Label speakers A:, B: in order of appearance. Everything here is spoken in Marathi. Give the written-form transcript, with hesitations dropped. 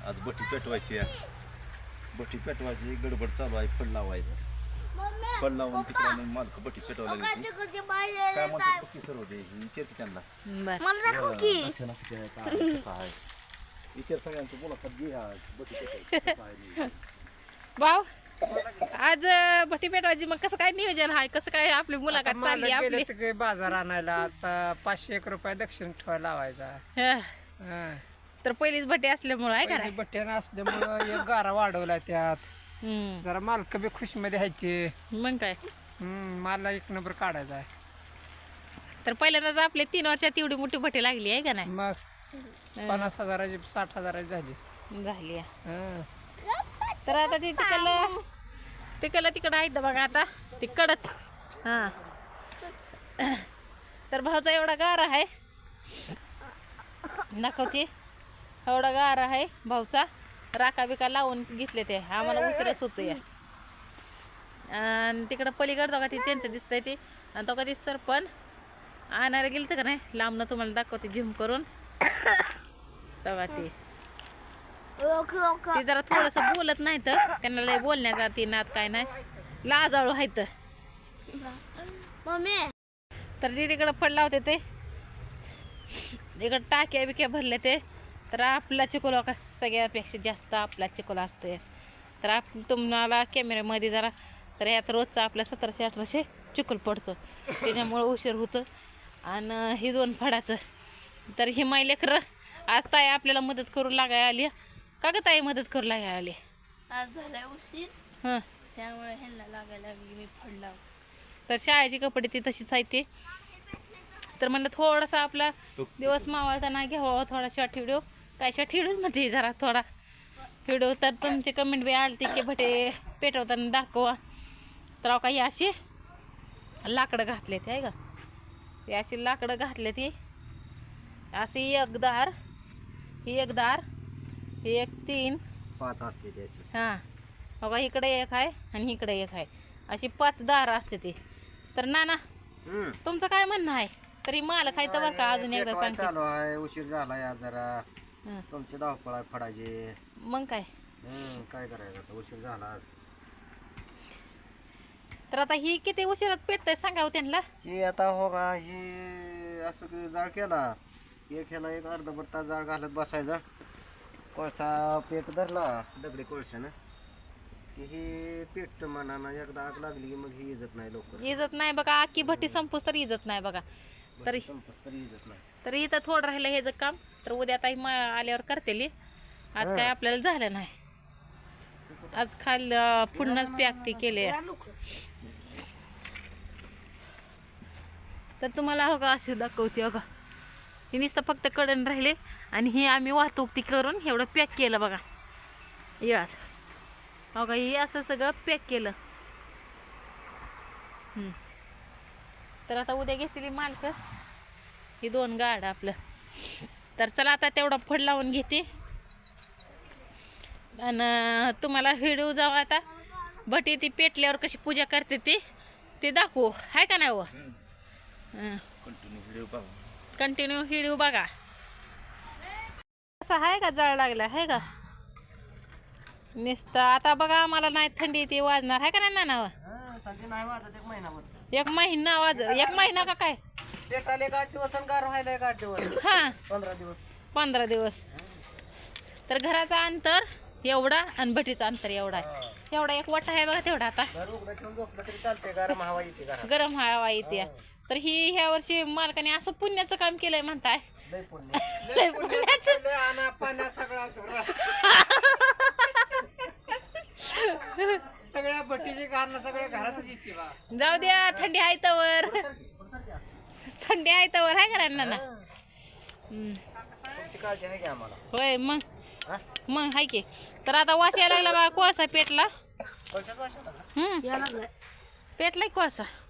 A: आज बटी पेटवायची गडबड चालू आहे. फड लावायचं, फड लावून तिकडे मालक बटी पेटवायला गेली. काय म्हणतात बघ की सर्व ते विचारते त्यांना. काय विचार सगळ्यांचं मुलाखत घे. आज बटी पेटवायची
B: भाऊ आज भटी पेटवायची. मग कसं काय नियोजन आहे, कसं काय आपली मुलाखत चालली आपली?
C: बाजार आणायला आता 501 रुपये दक्षिण ठेवायला लावायचा.
B: हं. तर पहिलीच भटी असल्यामुळं आहे का नाही?
C: बट्ट्यानं असल्यामुळं एक गारा वाढवला त्यात. जरा मालक बी खुश मध्ये ह्यायचे.
B: मग काय
C: मला 1 नंबर काढायचा आहे.
B: तर पहिल्यांदाच आपले 3 वर्षात एवढी मोठी भटी लागली आहे का नाही?
C: मग 50,000ची 60,000ची
B: झाली.
C: हं.
B: तर आता ती तिकडं आहेत बघा. आता तिकडच हां. तर भाऊचा एवढा गारा आहे, दाखवते. एवढा गारा आहे भाऊचा. राखा बिका लावून घेतले ते. आम्हाला उशिराच होतं या. आणि तिकडं पलीकडं बघा ती त्यांचं दिसतंय ते. आणि तो कधी सरपण आणायला गेलं तर का नाही, लांबनं तुम्हाला दाखवते झूम करून. बघा ते जरा थोडंसं बोलत नाही, तर त्यांना लय बोलण्याचा ती नाद काय नाही, लाजाळू आहे. तर ती तिकडं फड लावते ते. इकडं टाक्या बिक्या भरले ते. तर आपला चिकोला का सगळ्यापेक्षा जास्त आपला चिकोला असते. तर तुम्हाला कॅमेऱ्यामध्ये जरा तर यात रोजचा आपल्या 1700-1800 चिकोल पडतो, त्याच्यामुळं उशीर होतं. आणि ही 2 फडाचं. तर ही माई लेकरं आज ताई आपल्याला मदत करू लागायला आली. का ग ताई मदत करू लागायला आली?
D: आज झालाय उशीर,
B: हां,
D: त्यामुळे ह्यांना लागायला लागली मी फड लाव.
B: तर शाळेची कपडे ती तशीच आहे ते. तर म्हणलं थोडासा आपला दिवस मावळताना घ्यावा थोडा शॉर्ट व्हिडिओ. काय शॉर्ट व्हिडिओ म्हणजे जरा थोडा व्हिडिओ. तर तुमचे कमेंट बी आलते की भटे पेटवताना दाखवा. तर काही अशी लाकडं घातले ते आहे का, ते अशी लाकडं घातले ती. अशी एक दार, ही एक दार, ही एक 3
A: 5 असते त्याची.
B: हां बघा, इकडे एक आहे आणि इकडे एक आहे. अशी 5 दार असते ती. तर नाना तुमचं काय म्हणणं आहे? तरी मालक आहे तर बरं का, अजून एकदा सांगते.
E: चालू आहे, उशीर झाला या जरा. तुमचे धावपळ आहे फडायचे.
B: मग काय
E: काय करायचं आता, उशीर झाला.
B: तर आता ही किती उशिरात पेटतंय सांगावं त्यांना.
E: ही आता हो का, ही असं की जाळ केला एक ह्याला एक अर्धा तास जाळ घालत बसायचा. कोळसा पेट धरला दगडी कोळशानं की ही पेटतं मनानं. एकदा आग लागली की मग ही इजत नाही लवकर.
B: इजत नाही बघा, अख्खी भट्टी संपूस तर इजत नाही बघा. तरी
E: संपस तरी इजत नाही.
B: तर इथं थोडं राहिलं हे जर काम. तर उद्या ताई आल्यावर करतेली. आज काय आपल्याला झालं नाही. आज पुन्हा पॅक ती केले. तर तुम्हाला हो का असे दाखवते. हो का, ही नुसतं फक्त कडण राहिले आणि ही आम्ही वाहतूक ती करून एवढं पॅक केलं बघा याच. हो का, हे असं सगळं पॅक केलं. तर आता उद्या घेतली मालक ही 2 गाड आपलं. तर चला आता तेवढा फड लावून घेते आणि तुम्हाला व्हिडिओ जाऊ आता भटी ती पेटल्यावर कशी पूजा करते ते दाखवू, आहे का नाही? व कंटिन्यू व्हिडिओ बघा. असं आहे का, जळ लागला आहे का नुसतं. आता बघा आम्हाला नाही थंडी ती वाजणार आहे का नाही ना?
E: थंडी नाही वाजत 1 महिनाभर.
B: 1 महिना 1 महिना का काय?
E: पेटाले 8 दिवस आणि गार व्हायला 8 दिवस.
B: हां
E: 15 दिवस.
B: 15 दिवस. तर घराचं अंतर एवढा आणि भटीचं अंतर एवढा आहे. एवढा एक वाटा आहे बघा तेवढा. आता
E: घर उघडं ठेवून झोपलं तरी चालते, गरम हवा येते घरात.
B: गरम हवा येते. तर ह्या वर्षी मालकाने असं पुण्याचं काम केलंय म्हणताय.
E: लय पुण्य.
B: लय पुण्याचं.
C: आणा पाण्यात सगळ्या भट्टीची कारण सगळ्या घरातच येते बा.
B: जाऊ द्या, थंडी आहे तवर. थंडी आहे तवर आहे का ना?
E: तुमची काळजी आहे की आम्हाला.
B: होय मग हाय की. तर आता वास यायला लागला बा. कोळसा पेटला.
E: पैशाच वाश होता का?
B: पेटलाय कोळसा.